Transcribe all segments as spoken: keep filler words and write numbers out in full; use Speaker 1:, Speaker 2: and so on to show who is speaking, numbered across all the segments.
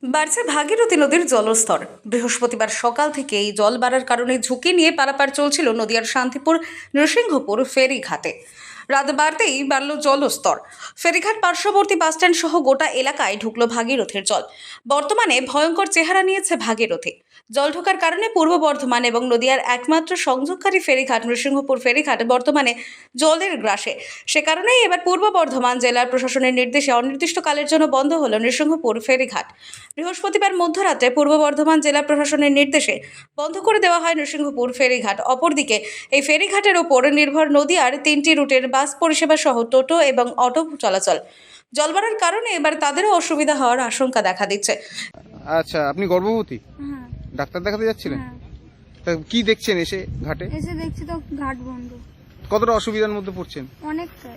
Speaker 1: বাড়ছে ভাগীরথী নদীর জলস্তর। বৃহস্পতিবার সকাল থেকে এই জল বাড়ার কারণে ঝুঁকি নিয়ে পারাপার চলছিল নদিয়ার শান্তিপুর নৃসিংহপুর ফেরিঘাটে। রাত বাড়তেই বাড়ল জলস্তর। ফেরিঘাট পার্শ্ববর্তী বাসস্ট্যান্ড সহ গোটা এলাকায় ঢুকলো ভাগীরথীর জল। বর্তমানে ভয়ঙ্কর চেহারা নিয়েছে ভাগীরথী। জল ঢোকার কারণে পূর্ব বর্ধমান এবং নদিয়ার একমাত্র সংযোগকারী ফেরিঘাট নৃসিংহপুর ফেরিঘাট বর্তমানে জলের গ্রাসে। সে কারণেই এবার পূর্ব বর্ধমান জেলার প্রশাসনের নির্দেশে অনির্দিষ্টকালের জন্য বন্ধ হলো নৃসিংহপুর ফেরিঘাট। বৃহস্পতিবার মধ্যরাতে পূর্ব বর্ধমান জেলা প্রশাসনের নির্দেশে বন্ধ করে দেওয়া হয় নৃসিংহপুর ফেরিঘাট। অপরদিকে এই ফেরিঘাটের ওপর নির্ভর নদিয়ার তিনটি রুটের বাস পরিষেবা সহ টোটো এবং অটো চলাচল। জল বাড়ার কারণে এবার তাদেরও অসুবিধা হওয়ার আশঙ্কা দেখা দিচ্ছে।
Speaker 2: আচ্ছা, আপনি গর্ভবতী?
Speaker 3: হ্যাঁ।
Speaker 2: ডাক্তার দেখাতে যাচ্ছিলেন?
Speaker 3: হ্যাঁ।
Speaker 2: তা কি দেখছেন এসে ঘাটে?
Speaker 3: এসে দেখছি তো ঘাট বন্ধ।
Speaker 2: কতটা অসুবিধার মধ্যে পড়ছেন?
Speaker 3: অনেকটাই।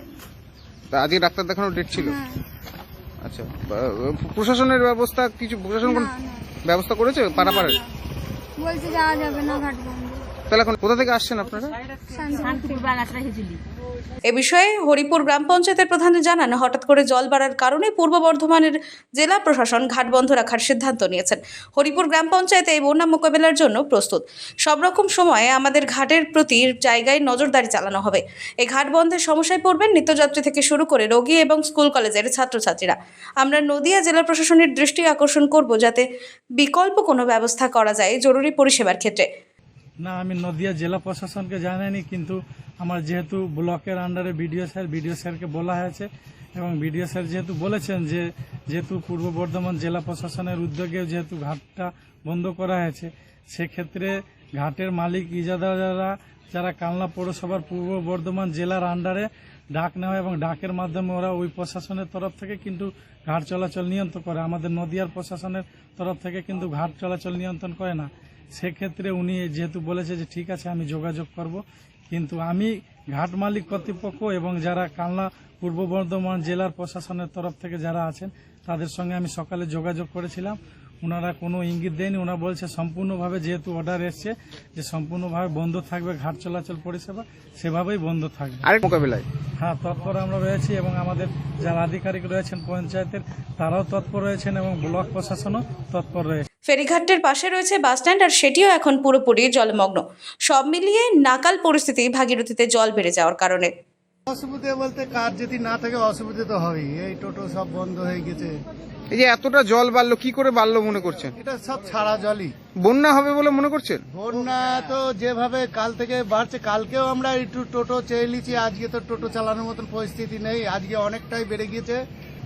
Speaker 2: তা আজকে ডাক্তার দেখানোর ডেট ছিল?
Speaker 3: হ্যাঁ।
Speaker 2: আচ্ছা, বা- প্রশাসনের ব্যবস্থা কিছু প্রশাসন কোন
Speaker 3: না, না।
Speaker 2: ব্যবস্থা করেছে পারাপারের?
Speaker 3: না, না। বলছে যাওয়া যাবে না, ঘাট বন্ধ।
Speaker 2: তাহলে এখন কোথা থেকে আসছেন আপনারা?
Speaker 3: শান্তিপুর বাগাসরা হিজলি।
Speaker 1: এ বিষয়ে হরিপুর গ্রাম পঞ্চায়েতের প্রধান জানান, হঠাৎ করে জল বাড়ার কারণে পূর্ব বর্ধমানের জেলা প্রশাসন ঘাট বন্ধ রাখার সিদ্ধান্ত নিয়েছেন। হরিপুর গ্রাম পঞ্চায়েতে এই বন্যা মোকাবেলার জন্য প্রস্তুত। সব রকম সময়ে আমাদের ঘাটের প্রতি জায়গায় নজরদারি চালানো হবে। এই ঘাট বন্ধের সমস্যায় পড়বেন নিত্যযাত্রী থেকে শুরু করে রোগী এবং স্কুল কলেজের ছাত্রছাত্রীরা। আমরা নদিয়া জেলা প্রশাসনের দৃষ্টি আকর্ষণ করব যাতে বিকল্প কোনো ব্যবস্থা করা যায় জরুরি পরিষেবার ক্ষেত্রে।
Speaker 4: না, আমি নদিয়া জেলা প্রশাসনকে জানাইনি, কিন্তু আমার যেহেতু ব্লকের আন্ডারে বিডিও স্যার বিডিও স্যারকে বলা হয়েছে এবং বিডিও স্যার যেহেতু বলেছেন যে যেহেতু পূর্ব বর্ধমান জেলা প্রশাসনের উদ্যোগে যেহেতু ঘাটটা বন্ধ করা হয়েছে, সেক্ষেত্রে ঘাটের মালিক ইজাদাররা যারা কালনা পৌরসভার পূর্ব বর্ধমান জেলার আন্ডারে ডাক নেওয়া এবং ডাকের মাধ্যমে ওরা ওই প্রশাসনের তরফ থেকে কিন্তু ঘাট চলাচল নিয়ন্ত্রণ করে। আমাদের নদিয়ার প্রশাসনের তরফ থেকে কিন্তু ঘাট চলাচল নিয়ন্ত্রণ করে না। সেক্ষেত্রে উনি যেহেতু বলেছে যে ঠিক আছে আমি যোগাযোগ করব, কিন্তু আমি ঘাট মালিক কর্তৃপক্ষ এবং যারা কালনা পূর্ব বর্ধমান জেলার প্রশাসনের তরফ থেকে যারা আছেন তাদের সঙ্গে আমি সকালে যোগাযোগ করেছিলাম। ওনারা কোনো ইঙ্গিত দেয়নি। ওনারা বলছে সম্পূর্ণভাবে যেহেতু অর্ডার এসছে যে সম্পূর্ণভাবে বন্ধ থাকবে ঘাট চলাচল পরিষেবা, সেভাবেই বন্ধ থাকবে।
Speaker 2: আরেক মোকাবেলায়
Speaker 4: হ্যাঁ, তৎপর আমরা রয়েছি এবং আমাদের যারা আধিকারিক রয়েছেন পঞ্চায়েতের তারাও তৎপর রয়েছেন এবং ব্লক প্রশাসনও তৎপর রয়েছে।
Speaker 1: ফেরিঘাটের পাশে রয়েছে বাসস্ট্যান্ড, আর সেটিও এখন পুরোপুরি জলমগ্ন। সব মিলিয়ে নাকাল পরিস্থিতি ভাগীরথীতে জল বেড়ে যাওয়ার কারণে।
Speaker 5: অসুবিধা বলতে কার যদি না থাকে অসুবিধা তো হবেই। এই টোটো সব বন্ধ হয়ে গেছে।
Speaker 2: এই যে এতটা জল বাড়লো, কি করে বাড়লো মনে করছেন?
Speaker 5: এটা সব ছাড়া জলই।
Speaker 2: বন্যা হবে বলে মনে করছেন?
Speaker 5: বন্যা তো যেভাবে কাল থেকে বাড়ছে, কালকেও আমরা একটু টোটো চেয়ে নিয়েছি, আজকে তো টোটো চালানোর মতন পরিস্থিতি নেই, আজকে অনেকটাই বেড়ে গিয়েছে।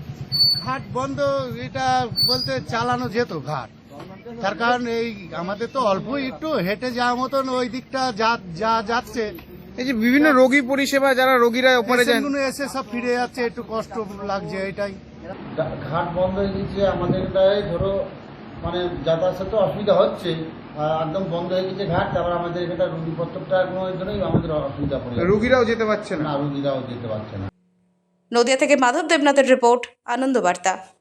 Speaker 5: ঘাট বন্ধ এটা বলতে চালানো যেত ঘাট, তার কারণ এই আমাদের তো অল্প একটু হেঁটে যাওয়ার মতন ওই দিকটা যা যা যাচ্ছে।
Speaker 2: এই যে বিভিন্ন রোগী পরিষেবা যারা রোগীরা ওপারে যান,
Speaker 5: পেশেন্টগুলো এসে সব ফিরে যাচ্ছে, একটু কষ্ট লাগছে এটাই।
Speaker 6: ঘাট বন্ধ হয়ে গেছে আমাদের প্রায় ধরো মানে যাতায়াতের তো অসুবিধা হচ্ছে, একদম বন্ধ হয়ে গেছে ঘাট। তারপর আমাদের এখানটা রুগীপত্রটার জন্যই আমাদের অসুবিধা পড়ে যাচ্ছে।
Speaker 2: রোগীরাও যেতে পারছে না।
Speaker 6: না, রুগীরাও যেতে পারছে না।
Speaker 1: নদিয়া থেকে মাধব দেবনাথের রিপোর্ট, আনন্দ বার্তা।